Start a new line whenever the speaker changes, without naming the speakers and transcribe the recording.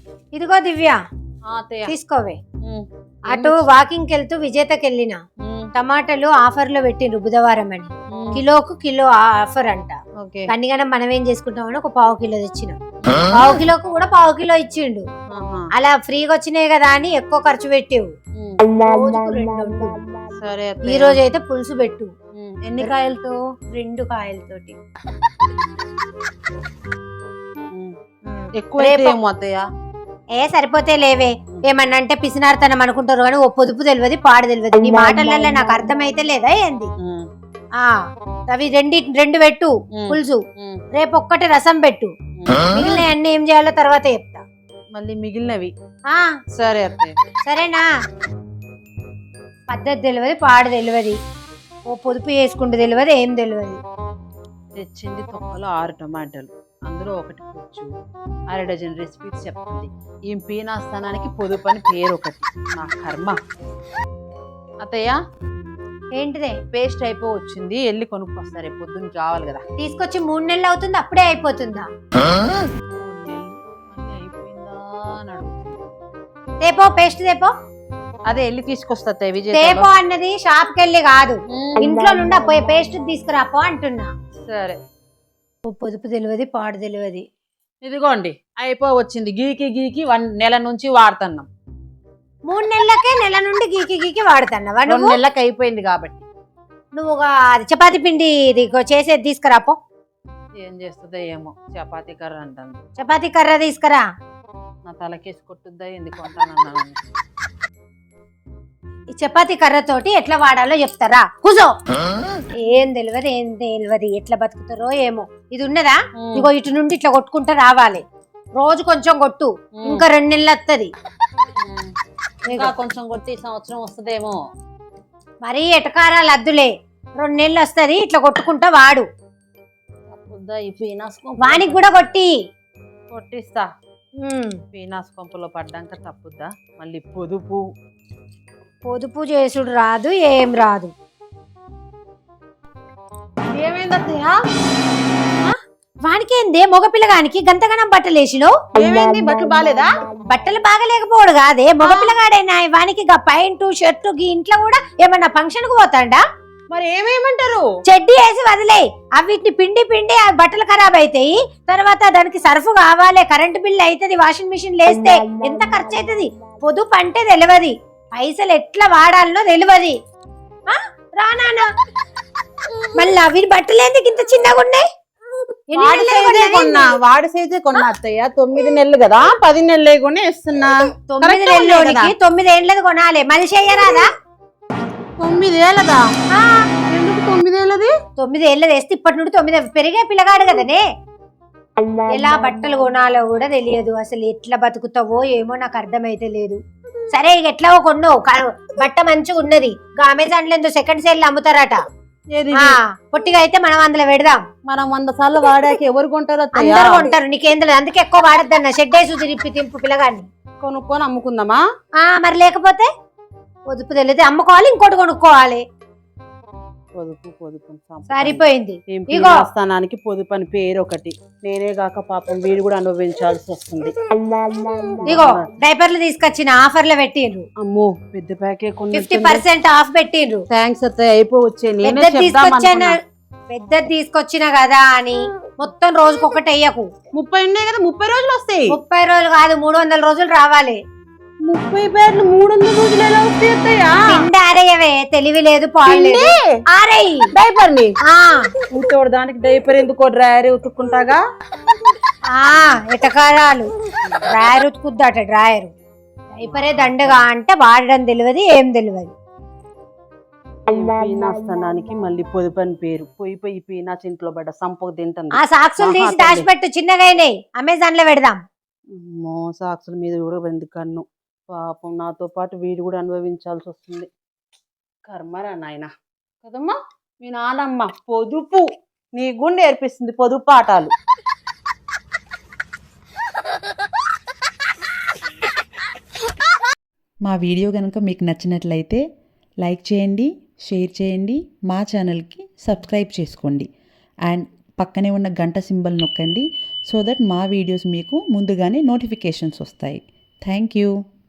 ఇదిగో దివ్య తీసుకోవే. అటు వాకింగ్ కి వెళ్తూ విజేతకి వెళ్ళిన టమాటాలు ఆఫర్ లో పెట్టిండ్రు బుధవారం అని. కిలోకు కిలో ఆఫర్ అంట. కన్నిగానే మనం ఏం చేసుకుంటామని ఒక పావు కిలో తెచ్చినాం. పావు కిలోకు కూడా పావు కిలో ఇచ్చిండు. అలా ఫ్రీగా వచ్చినాయి కదా అని ఎక్కువ ఖర్చు పెట్టేవు.
సరే
ఈ రోజు అయితే పులుసు పెట్టు.
ఎన్ని కాయలతో?
2 కాయలతోటి.
ఎక్కువ
సరిపోతే లేవే. ఏమన్నా అంటే పిసినార్తనం అనుకుంటారు కానీ ఓ పొదుపు తెలియదు పాడు తెలియదు. నీ మాటలలో నాకు అర్థమైతే లేదా ఏంది? అవి 2 పెట్టు పులుసు. రేపు ఒక్కటి రసం పెట్టు. మిగిలిన అన్ని ఏం చేయాలో తర్వాత చెప్తా.
మళ్ళీ మిగిలినవి సరే
సరేనా? పద్ధతి తెలియదు పాడు తెలియదు. ఓ పొదుపు చేసుకుంటూ తెలియదు ఏం తెలియదు.
తెచ్చింది తొక్కలో 6 టమాటాలు, అందులో 1 పుచ్చు, 1/2 డజన్ రెసిపీస్ చెప్తుంది. ఈ పీనాస్థానానికి పొదుపు అని పేరు ఒకటి. నా కర్మ. అత్తయ్య
ఏంటిదే?
పేస్ట్ వచ్చింది, వెళ్ళి కొనుక్కొస్తారు. రేపు పొద్దున్న కావాలి కదా.
తీసుకొచ్చి 3 నెలలు అవుతుంది, అప్పుడే అయిపోతుందా?
అయిపోయిందా అని అడుగుతుంది.
తేపో పేస్ట్ తేపో.
అదే వెళ్ళి తీసుకొస్తా విజయ్.
తేపో అన్నది షాప్ కెళ్ళి కాదు, ఇంట్లో నుండి పోయి పేస్ట్ తీసుకురాపో అంటున్నా.
సరే.
పొదుపు తెలియదు పాడు తెలియదు.
ఇదిగోండి వచ్చింది. గీకి 1 నెల నుంచి వాడుతున్నాం.
3 నెలలకే నెల నుండి గీకి వాడుతున్నావా?
2 నెలలకు అయిపోయింది కాబట్టి.
నువ్వు చపాతి పిండి చేసేది తీసుకురాపో.
ఏం చేస్తుందో ఏమో. చపాతీ కర్ర అంటాను.
చపాతీ కర్ర తీసుకురా.
నా తలకేసి కొట్టుద్దా ఎందుకు అంటానన్నా.
ఈ చపాతీ కర్రతోటి ఎట్లా వాడాలో చెప్తారా? కూసో. ఏం తెలియదు ఎట్లా బతుకుతారో ఏమో. ఇది ఉన్నదా? ఇగో ఇటు నుండి ఇట్లా కొట్టుకుంటా రావాలి. రోజు కొంచెం కొట్టు, ఇంకా 2 నెలలు వస్తుంది.
కొంచెం కొట్టి సంవత్సరం వస్తుందేమో.
మరీ ఎటకారాలు అద్దులే. 2 నెలలు వస్తుంది. ఇట్లా కొట్టుకుంటా వాడు. వానికి కూడా
కొట్టిస్తా. పీనాస్ కొంపలో పడ్డాక తప్పుద్దా? మళ్ళీ
పొదుపు చేసుడు రాదు, ఏం రాదు.
ఏమైందత్తయ్య?
వానికేందే? మగపిల్లగానికి గంతగనం బట్టలు వేసినావు.
బట్టలు బాగాలేదా?
బట్టలు బాగలేకపోడు కాదే, మగపిల్లగాడైనా. వానికి ప్యాంటు షర్టు ఇంట్లో కూడా ఏమన్నా ఫంక్షన్ కు పోతాడా?
మరి ఏమేమంటారు?
చెడ్డీ వేసి వదిలే. అవిటిని పిండి ఆ బట్టలు ఖరాబ్ అవుతాయి. తర్వాత దానికి సర్ఫ్ కావాలి, కరెంటు బిల్లు అవుతుంది, వాషింగ్ మిషన్ లేస్తే ఎంత ఖర్చు అవుతుంది. పొదుపు అంటే తెలియదు, పైసలు ఎట్లా వాడాలనో తెలియదు. రానా మళ్ళీ అవి బట్టలు ఎందుకు ఇంత చిన్నగా ఉన్నాయి?
వాడి సైజే కొన్నా అత్తయ్య. 9 నెలలు కదా, 10 నెలలు కొనే ఇస్తున్నా.
9 నెలలోనికి 9 ఏళ్ళది కొనాలి. మనిషి అయ్యారాదా?
9 ఏళ్ళదా? ఎందుకు 9 ఏళ్ళది?
9 ఏళ్ళది వేస్తే ఇప్పటి నుండి 9 పెరిగే పిల్లగాడు కదనే. ఎలా బట్టలు కొనాలో కూడా తెలియదు. అసలు ఎట్లా బతుకుతావో ఏమో నాకు అర్థమైతే లేదు. సరే ఇక ఎట్లా కొన్నావు, బట్ట మంచిగా ఉన్నది. అమెజాన్ లో సెకండ్ సేల్ అమ్ముతారట. పొట్టిగా అయితే మనం అందులో పెడదాం.
మనం 100 సార్లు వాడాక ఎవరు కొంటారు?
అందరు కొంటారు. నీకేం తెలియదు, అందుకే ఎక్కువ వాడద్దన్న. షెడ్ వేసి తింపు పిల్లగాన్ని
కొనుక్కొని అమ్ముకుందామా?
మరి లేకపోతే పొదుపు తెలియదు, అమ్ముకోవాలి, ఇంకోటి కొనుక్కోవాలి.
పొదుపు
సరిపోయింది.
స్థానానికి పొదుపు అని పేరు ఒకటి. నేనే కాక పాపం వీడు కూడా అనుభవించాల్సి వస్తుంది.
ఇగో డైపర్లు తీసుకొచ్చిన ఆఫర్లు పెట్టిండ్రు.
అమ్మో పెద్ద ప్యాకే
50% ఆఫ్ పెట్టిండ్రు.
థ్యాంక్స్ అత్తయ్య.
పెద్దది తీసుకొచ్చిన కదా అని మొత్తం రోజుకొకటి అయ్యకు.
30 ఉన్నాయి కదా, 30 రోజులు వస్తాయి.
30 రోజులు కాదు, 300 రోజులు రావాలి.
30 పేర్లు 300 రోజులు ఎలా వస్తాయి అత్తయ్య?
ఆరేయవే, తెలివి లేదు పాడలేదు. ఆరేయి
డైపర్ ని. దానికి డైపర్ ఎందుకో డ్రైయర్ ఉతుక్కుంటాగా.
ఎటకారాలు. డ్రాయర్ ఉతుకుద్దట. డ్రాయర్ డైపరే దండగా అంటే వాడడం తెలియదు, ఏం తెలియదు.
పీనాస్థానానికి మళ్ళీ పొదుపు అని పేరు. పోయి పీనాస్ ఇంట్లో పడ్డ సంపకు తింటుంది.
ఆ సాక్సులు తీసి దాచిపెట్టు, చిన్నగా అయినాయి. అమెజాన్ లో పెడదాం.
సాక్సుల మీద కూడా వెంది కన్ను. పాపం నాతో పాటు వీడు కూడా అనుభవించాల్సి వస్తుంది. కర్మరా నాయన కదమ్మా. మీ నానమ్మ పొదుపు నీ గుండె నేర్పిస్తుంది, పొదుపు పాఠాలు.
మా వీడియో కనుక మీకు నచ్చినట్లయితే లైక్ చేయండి, షేర్ చేయండి, మా ఛానల్కి సబ్స్క్రైబ్ చేసుకోండి. అండ్ పక్కనే ఉన్న గంట సింబల్ నొక్కండి. సో దట్ మా వీడియోస్ మీకు ముందుగానే నోటిఫికేషన్స్ వస్తాయి. Thank you.